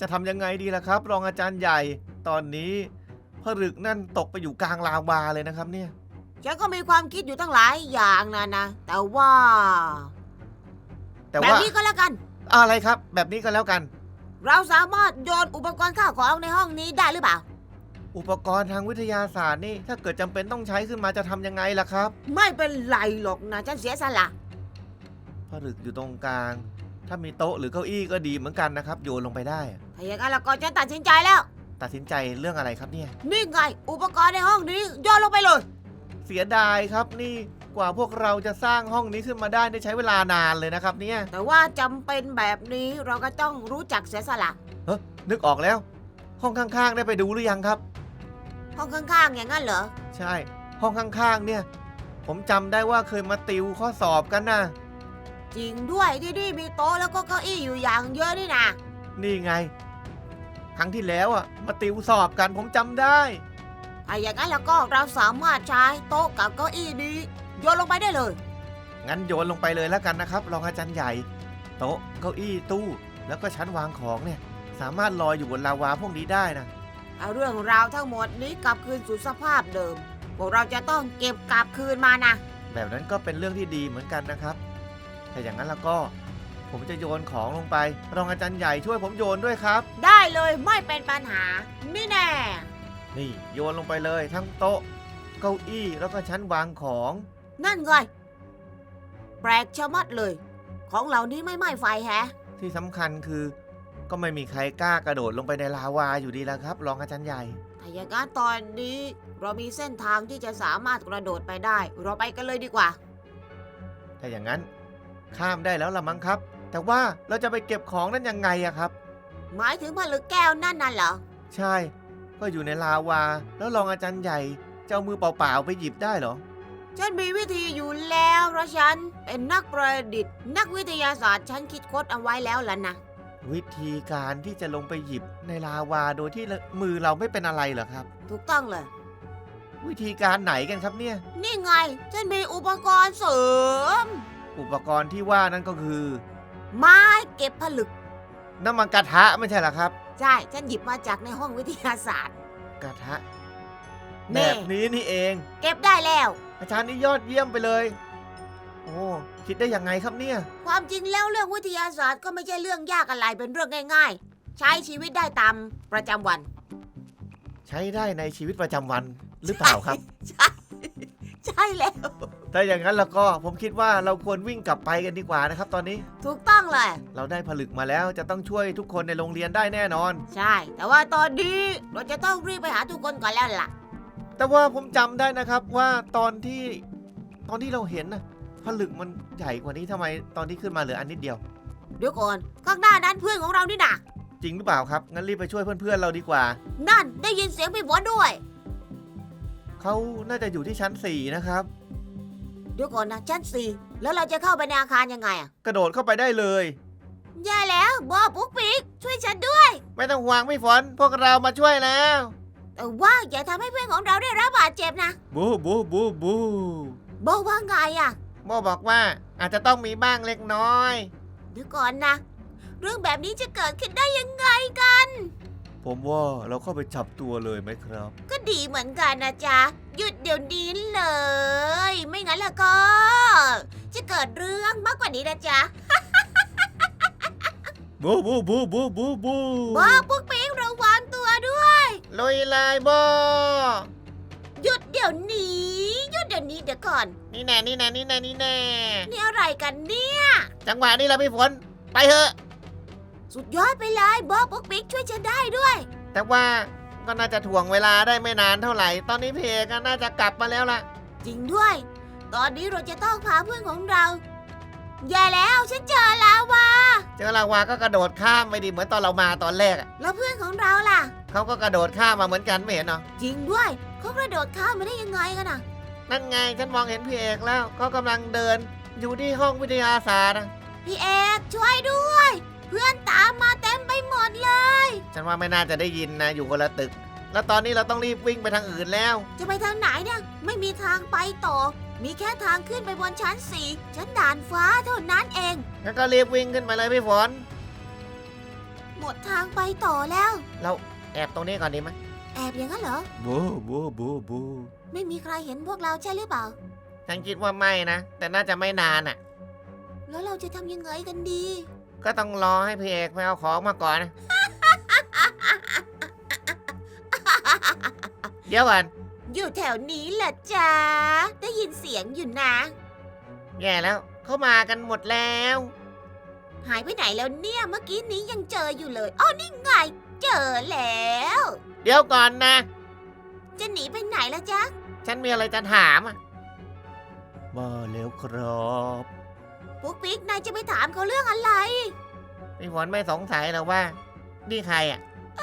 จะทำยังไงดีล่ะครับ รองอาจารย์ใหญ่ตอนนี้ผลึกนั่นตกไปอยู่กลางลาวาเลยนะครับเนี่ยฉันก็มีความคิดอยู่ตั้งหลายอย่างนะแต่ว่าแบบนี้ก็แล้วกันอะไรครับแบบนี้ก็แล้วกันเราสามารถโยนอุปกรณ์ข้าวของในห้องนี้ได้หรือเปล่าอุปกรณ์ทางวิทยาศาสตร์นี่ถ้าเกิดจำเป็นต้องใช้ขึ้นมาจะทำยังไงล่ะครับไม่เป็นไรหรอกนะฉันเสียสละผลึกอยู่ตรงกลางถ้ามีโต๊ะหรือเก้าอี้ก็ดีเหมือนกันนะครับโยนลงไปได้ถ้าอย่างนั้นแล้วก็ฉันตัดสินใจแล้วตัดสินใจเรื่องอะไรครับเนี่ยนี่ไงอุปกรณ์ในห้องนี้โยนลงไปเลยเสียดายครับนี่กว่าพวกเราจะสร้างห้องนี้ขึ้นมาได้ใช้เวลานานเลยนะครับเนี่ยแต่ว่าจำเป็นแบบนี้เราก็ต้องรู้จักเสียสละนึกออกแล้วห้องข้างๆได้ไปดูหรือยังครับห้องข้างๆอย่างนั้นเหรอใช่ห้องข้างๆเนี่ยผมจำได้ว่าเคยมาติวข้อสอบกันนะจริงด้วยที่นี่มีโต๊ะแล้วก็เก้าอี้อยู่อย่างเยอะนี่นะนี่ไงครั้งที่แล้วมาติวสอบกันผมจำได้ถ้าอย่างนั้นแล้วก็เราสามารถใช้โต๊ะกับเก้าอี้นี้โยนลงไปได้เลยงั้นโยนลงไปเลยแล้วกันนะครับรองอาจารย์ใหญ่โต๊ะเก้าอี้ตู้แล้วก็ชั้นวางของเนี่ยสามารถลอยอยู่บนลาวาพวกนี้ได้นะเอาเรื่องราวทั้งหมดนี้กลับคืนสู่สภาพเดิมพวกเราจะต้องเก็บกลับคืนมานะแบบนั้นก็เป็นเรื่องที่ดีเหมือนกันนะครับถ้าอย่างนั้นแล้วก็ผมจะโยนของลงไปรองอาจารย์ใหญ่ช่วยผมโยนด้วยครับได้เลยไม่เป็นปัญหานี่แน่นี่โยนลงไปเลยทั้งโต๊ะเก้าอี้แล้วก็ชั้นวางของนั่นไงแปลกชะมัดเลยของเหล่านี้ไม่ไหม้ไฟแฮะที่สำคัญคือก็ไม่มีใครกล้ากระโดดลงไปในลาวาอยู่ดีแล้วครับรองอาจารย์ใหญ่ถ้าอย่างนั้นตอนนี้เรามีเส้นทางที่จะสามารถกระโดดไปได้เราไปกันเลยดีกว่าถ้าอย่างนั้นข้ามได้แล้วละมั้งครับแต่ว่าเราจะไปเก็บของนั้นยังไงอะครับหมายถึงผลึกแก้วนั่นน่ะเหรอใช่ก็อยู่ในลาวาแล้วรองอาจารย์ใหญ่จะเอามือเปล่าๆไปหยิบได้เหรอฉันมีวิธีอยู่แล้วเพราะฉันเป็นนักประดิษฐ์นักวิทยาศาสตร์ฉันคิดค้นเอาไว้แล้วล่ะนะวิธีการที่จะลงไปหยิบในลาวาโดยที่มือเราไม่เป็นอะไรเหรอครับถูกต้องเลยวิธีการไหนกันครับเนี่ยนี่ไงฉันมีอุปกรณ์เสริมอุปกรณ์ที่ว่านั่นก็คือไม้เก็บผลึกน้ำมันกระทะไม่ใช่เหรอครับใช่ฉันหยิบมาจากในห้องวิทยาศาสตร์กระทะแบบนี้นี่เองเก็บได้แล้วอาจารย์นี่ยอดเยี่ยมไปเลยโอ้คิดได้ยังไงครับเนี่ยความจริงแล้วเรื่องวิทยาศาสตร์ก็ไม่ใช่เรื่องยากอะไรเป็นเรื่องง่ายๆใช้ชีวิตได้ตามประจำวันใช้ได้ในชีวิตประจำวันหรือเปล่าครับใช่แล้วถ้าอย่างนั้นแล้วก็ผมคิดว่าเราควรวิ่งกลับไปกันดีกว่านะครับตอนนี้ถูกต้องเลยเราได้ผลึกมาแล้วจะต้องช่วยทุกคนในโรงเรียนได้แน่นอนใช่แต่ว่าตอนนี้เราจะต้องรีบไปหาทุกคนก่อนแล้วล่ะแต่ว่าผมจำได้นะครับว่าตอนที่เราเห็นนะผลึกมันใหญ่กว่านี้ทำไมตอนที่ขึ้นมาเหลืออันนิดเดียวเดี๋ยวก่อนข้างหน้านั้นเพื่อนของเรานี่นะจริงหรือเปล่าครับงั้นรีบไปช่วยเพื่อนๆเราดีกว่านั่นได้ยินเสียงพี่ฝนด้วยเขาน่าจะอยู่ที่ชั้น4นะครับเดี๋ยวก่อนนะชั้น4แล้วเราจะเข้าไปในอาคารยังไงอะกระโดดเข้าไปได้เลยแย่แล้วบอปุ๊กปิ๊กช่วยฉันด้วยไม่ต้องห่วงพี่ฝนพวกเรามาช่วยแล้วแต่ว่าอย่าทำให้เพื่อนของเราได้รับบาดเจ็บนะบูบูบูบูโบว่าไงอะโบบอกว่าอาจจะต้องมีบ้างเล็กน้อยเดี๋ยวก่อนนะเรื่องแบบนี้จะเกิดขึ้นได้ยังไงกันผมว่าเราเข้าไปจับตัวเลยไหมครับก็ดีเหมือนกันนะจ๊ะหยุดเดี๋ยวนี้เลยไม่งั้นแล้วก็จะเกิดเรื่องมากกว่านี้นะจ๊ะบูบูบูบูบูบูบ้าปุ๊กปิ๊กระวังตัวด้วยลุยเลยโบหยุดเดี๋ยวนี้หยุดเดี๋ยวนี้เดี๋ยวก่อนนี่แน่นี่แน่นี่แน่นี่แน่นี่อะไรกันเนี่ยจังหวะนี้เราพี่ฝนไปเถอะสุดยอดไปเลยบอปุ๊กปิ๊กช่วยฉันได้ด้วยแต่ว่าก็น่าจะถ่วงเวลาได้ไม่นานเท่าไหร่ตอนนี้เพก็น่าจะกลับมาแล้วล่ะจริงด้วยตอนนี้เราจะต้องพาเพื่อนของเราแย่แล้วฉันเจอลาวาก็กระโดดข้ามไปดิเหมือนตอนเรามาตอนแรกแล้วเพื่อนของเราล่ะเขาก็กระโดดข้ามมาเหมือนกันไม่เห็นเหรอจริงด้วยเขากระโดดข้ามมาได้ยังไงกันน่ะนั่นไงฉันมองเห็นพี่เอกแล้วเขากำลังเดินอยู่ที่ห้องวิทยาศาสตร์พี่เอกช่วยด้วยเพื่อนตามมาเต็มไปหมดเลยฉันว่าไม่น่าจะได้ยินนะอยู่คนละตึกแล้วตอนนี้เราต้องรีบวิ่งไปทางอื่นแล้วจะไปทางไหนเนี่ยไม่มีทางไปต่อมีแค่ทางขึ้นไปบนชั้น4ชั้นด่านฟ้าเท่านั้นเองงั้นก็รีบวิ่งขึ้นไปเลยพี่ฝนหมดทางไปต่อแล้วเราแอบตรงนี้ก่อนดีไหมแอบอย่างนั้นเหรอบูบูบูบูไม่มีใครเห็นพวกเราใช่หรือเปล่าฉันคิดว่าไม่นะ แต่น่าจะไม่นานอ่ะแล้วเราจะทำยังไงกันดีก็ต้องรอให้พี่เอกไปเอาของมาก่อนนะ เดี๋ยวก่อนอยู่แถวนี้แหละจ้าได้ยินเสียงอยู่นะแย่แล้วเขามากันหมดแล้วหายไปไหนแล้วเนี่ยเมื่อกี้นี้ยังเจออยู่เลยอ๋อนี่ไง เจอแล้วเดี๋ยวก่อนนะจะหนีไปไหนแล้วจ๊ะฉันมีอะไรจะถามอ่ะมาแล้วครับปุ๊กปิ๊กนายจะไปถามเขาเรื่องอะไรพี่ฝนไม่สงสัยหรอว่า นี่ใครอ่ะ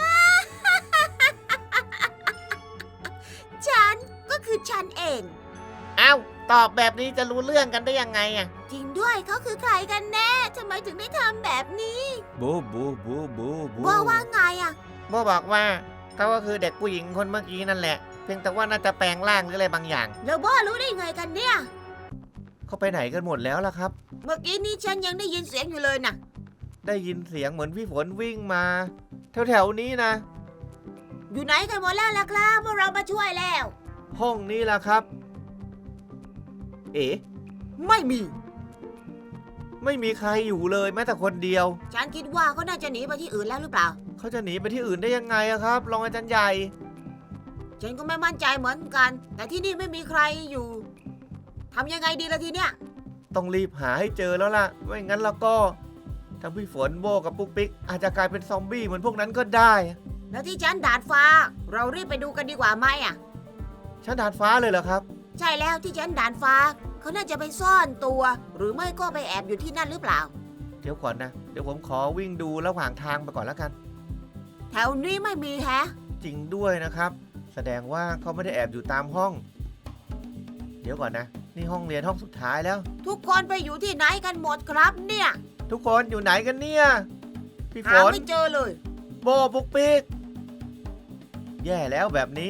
ฉันก็คือฉันเองเอ้าตอบแบบนี้จะรู้เรื่องกันได้ยังไงอ่ะจริงด้วยเขาคือใครกันแน่ทำไมถึงได้ทำแบบนี้บูบูบูบูบูว่าไงอะโบบอกว่าเขาก็คือเด็กผู้หญิงคนเมื่อกี้นั่นแหละ เพียงแต่ว่าน่าจะแปลงร่างหรืออะไรบางอย่างแล้วบ้ารู้ได้ไงกันเนี่ยเขาไปไหนกันหมดแล้วล่ะครับเมื่อกี้นี้ฉันยังได้ยินเสียงอยู่เลยนะได้ยินเสียงเหมือนพี่ฝนวิ่งมาแถวๆนี้นะอยู่ไหนกันหมดแล้วล่ะครับพวกเรามาช่วยแล้วห้องนี้ล่ะครับ เอ๋ไม่มีไม่มีใครอยู่เลยแม้แต่คนเดียวฉันคิดว่าเขาน่าจะหนีไปที่อื่นแล้วหรือเปล่าเขาจะหนีไปที่อื่นได้ยังไงอะครับรองอาจารย์ใหญ่ฉันก็ไม่มั่นใจเหมือนกัน แต่ที่นี่ไม่มีใครอยู่ทำยังไงดีล่ะทีเนี้ยต้องรีบหาให้เจอแล้วล่ะไม่งั้นแล้วก็ทั้งพี่ฝนโบกับปุ๊กปิ๊กอาจจะกลายเป็นซอมบี้เหมือนพวกนั้นก็ได้แล้วที่ชั้นดาดฟ้า เรารีบไปดูกันดีกว่าไหมอะชั้นดาดฟ้าเลยเหรอครับใช่แล้วที่ชั้นดาดฟ้า เขาน่าจะไปซ่อนตัว หรือไม่ก็ไปแอบอยู่ที่นั่นหรือเปล่าเดี๋ยวก่อนนะ เดี๋ยวผมขอวิ่งดูระหว่างทางไปก่อนแล้วกันแถวนี้ไม่มีแฮะจริงด้วยนะครับ แสดงว่าเขาไม่ได้แอบอยู่ตามห้อง เดี๋ยวก่อนนะ นี่ห้องเรียนห้องสุดท้ายแล้วทุกคนไปอยู่ที่ไหนกันหมดครับเนี่ยทุกคนอยู่ไหนกันเนี่ยพี่ฝหาน ไม่เจอเลยโบปุ๊กปิ๊กแย่แล้วแบบนี้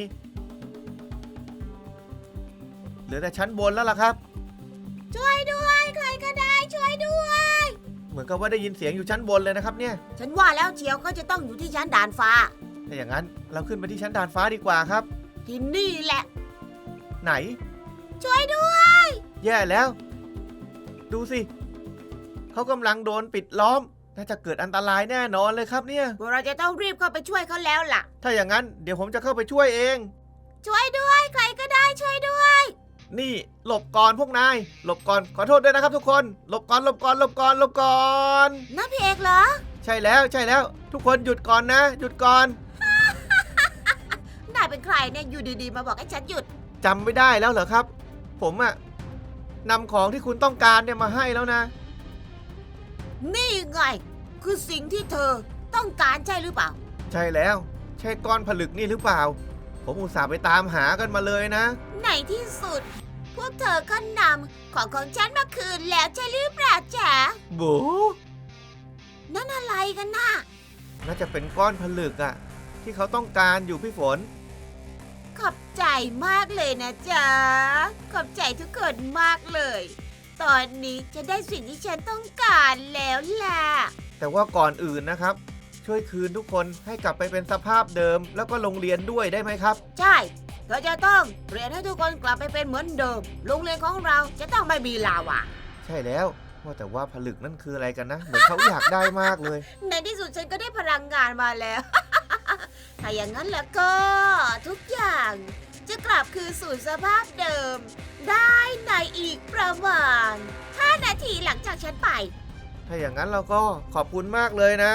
เหลือแต่ชั้นบนแล้วล่ะครับช่วยด้วยใครก็ได้ช่วยด้วยเหมือนกับว่าได้ยินเสียงอยู่ชั้นบนเลยนะครับเนี่ยฉันว่าแล้วเชียวก็จะต้องอยู่ที่ชั้นดาดฟ้าถ้าอย่างนั้นเราขึ้นไปที่ชั้นดาดฟ้าดีกว่าครับที่นี่แหละไหนช่วยด้วยแย่แล้ว ดูสิเขากำลังโดนปิดล้อมน่าจะเกิดอันตรายแน่นอนเลยครับเนี่ยพวกเราจะต้องรีบเข้าไปช่วยเขาแล้วล่ะถ้าอย่างนั้นเดี๋ยวผมจะเข้าไปช่วยเองช่วยด้วยใครก็ได้ช่วยด้วยนี่หลบก่อนพวกนายหลบก่อนขอโทษด้วยนะครับทุกคนหลบก่อนหลบก่อนหลบก่อนหลบก่อนน้าพี่เอกเหรอใช่แล้วใช่แล้ว ทุกคนหยุดก่อนนะ หยุดก่อนนายเป็นใครเนี่ยอยู่ดีๆมาบอกให้ฉันหยุดจำไม่ได้แล้วเหรอครับ ผมอะนำของที่คุณต้องการเนี่ยมาให้แล้วนะนี่ไง คือสิ่งที่เธอต้องการใช่หรือเปล่าใช่แล้ว ใช่ก้อนผลึกนี่หรือเปล่า ผมอุตส่าห์ไปตามหากันมาเลยนะในที่สุด พวกเธอก็นำของฉันมาคืนแล้วใช่หรือเปล่าจ๊ะโบนั่นอะไรกันน่ะน่าจะเป็นก้อนผลึกอะที่เขาต้องการอยู่พี่ฝนขอบใจมากเลยนะจ๊ะ ขอบใจทุกคนมากเลย ตอนนี้จะได้สิ่งที่ฉันต้องการแล้วล่ะแต่ว่าก่อนอื่นนะครับ ช่วยคืนทุกคนให้กลับไปเป็นสภาพเดิม แล้วก็โรงเรียนด้วยได้ไหมครับใช่เธอจะต้องเรียนให้ทุกคนกลับไปเป็นเหมือนเดิม โรงเรียนของเราจะต้องไม่มีลาวาใช่แล้วว่าแต่ว่าผลึกนั่นคืออะไรกันนะ เหมือนเขาอยากได้มากเลยในที่สุดฉันก็ได้พลังงานมาแล้ว ถ้าอย่างนั้นแล้วก็ทุกอย่างจะกลับคืนสู่สภาพเดิม ได้ในอีกประมาณ 5 นาทีหลังจากฉันไปถ้าอย่างนั้นเราก็ขอบคุณมากเลยนะ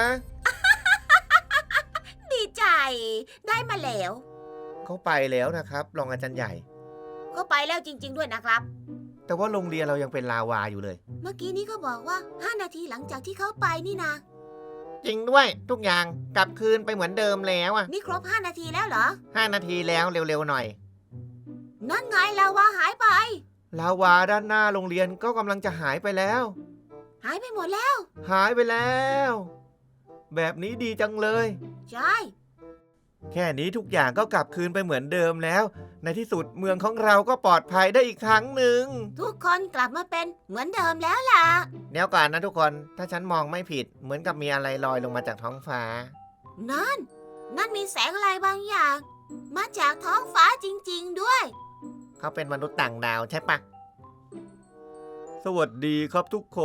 ดีใจได้มาแล้วเขาไปแล้วนะครับรองอาจารย์ใหญ่ก็ไปแล้วจริง ๆ ด้วยนะครับแต่ว่าโรงเรียนเรายังเป็นลาวาอยู่เลยเมื่อกี้นี้ก็บอกว่า 5 นาทีหลังจากที่เขาไปนี่นะจริงด้วยทุกอย่างกลับคืนไปเหมือนเดิมแล้วอ่ะนี่ครบ 5 นาทีแล้วเหรอ 5 นาทีแล้วเร็วๆหน่อยนั่นไงลาวาหายไปลาวาด้านหน้าโรงเรียนก็กำลังจะหายไปแล้วหายไปหมดแล้วหายไปแล้ว แบบนี้ดีจังเลยใช่แค่นี้ทุกอย่างก็กลับคืนไปเหมือนเดิมแล้ว ในที่สุดเมืองของเราก็ปลอดภัยได้อีกครั้งหนึ่งทุกคนกลับมาเป็นเหมือนเดิมแล้วล่ะเดี๋ยวก่อนนะทุกคนถ้าฉันมองไม่ผิดเหมือนกับมีอะไรลอยลงมาจากท้องฟ้านั่นมีแสงอะไรบางอย่าง มาจากท้องฟ้าจริงๆด้วยเขาเป็นมนุษย์ต่างดาวใช่ปะสวัสดีครับทุกคน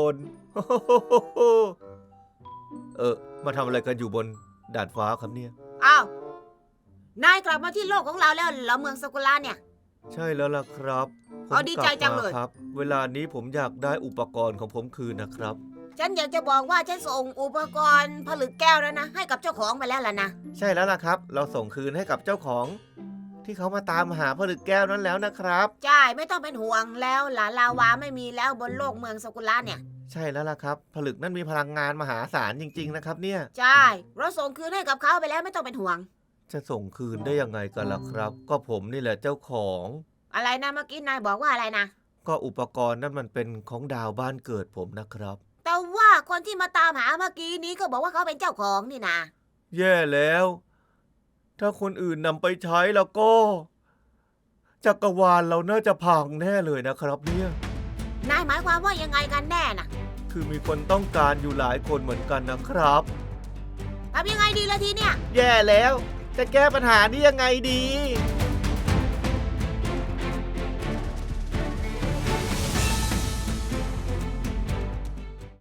มาทำอะไรกันอยู่บนดาดฟ้าครับเนี่ยอ้าว นายกลับมาที่โลกของเราแล้วเหรอเมืองสกุลาเนี่ยใช่แล้วล่ะครับผมเอาดีใจจังเลยกบมาครับ เวลานี้ผมอยากได้อุปกรณ์ของผมคืนนะครับฉันอยากจะบอกว่าฉันส่งอุปกรณ์ผลึกแก้วแล้วนะ ให้กับเจ้าของไปแล้วล่ะนะใช่แล้วล่ะครับ เราส่งคืนให้กับเจ้าของ ที่เขามาตามหาผลึกแก้วนั้นแล้วนะครับใช่ไม่ต้องเป็นห่วงแล้วหลานลาวาไม่มีแล้วบนโลกเมืองสกุลาเนี่ยใช่แล้วล่ะครับ ผลึกนั้นมีพลังงานมหาศาลจริงๆนะครับเนี่ยใช่ เราส่งคืนให้กับเขาไปแล้วไม่ต้องเป็นห่วงจะส่งคืนได้ยังไงกันล่ะครับ ก็ผมนี่แหละเจ้าของอะไรนะเมื่อกี้นายบอกว่าอะไรนะก็อุปกรณ์นั้นมันเป็นของดาวบ้านเกิดผมนะครับแต่ว่าคนที่มาตามหาเมื่อกี้นี้ก็บอกว่าเขาเป็นเจ้าของนี่นะแย่แล้ว ถ้าคนอื่นนำไปใช้แล้วก็จักรวาลเราน่าจะพังแน่เลยนะครับเนี่ยนายหมายความว่ายังไงกันแน่น่ะคือมีคนต้องการอยู่หลายคนเหมือนกันนะครับทำยังไงดีล่ะทีเนี่ยแย่แล้ว จะแก้ปัญหานี้ยังไงดี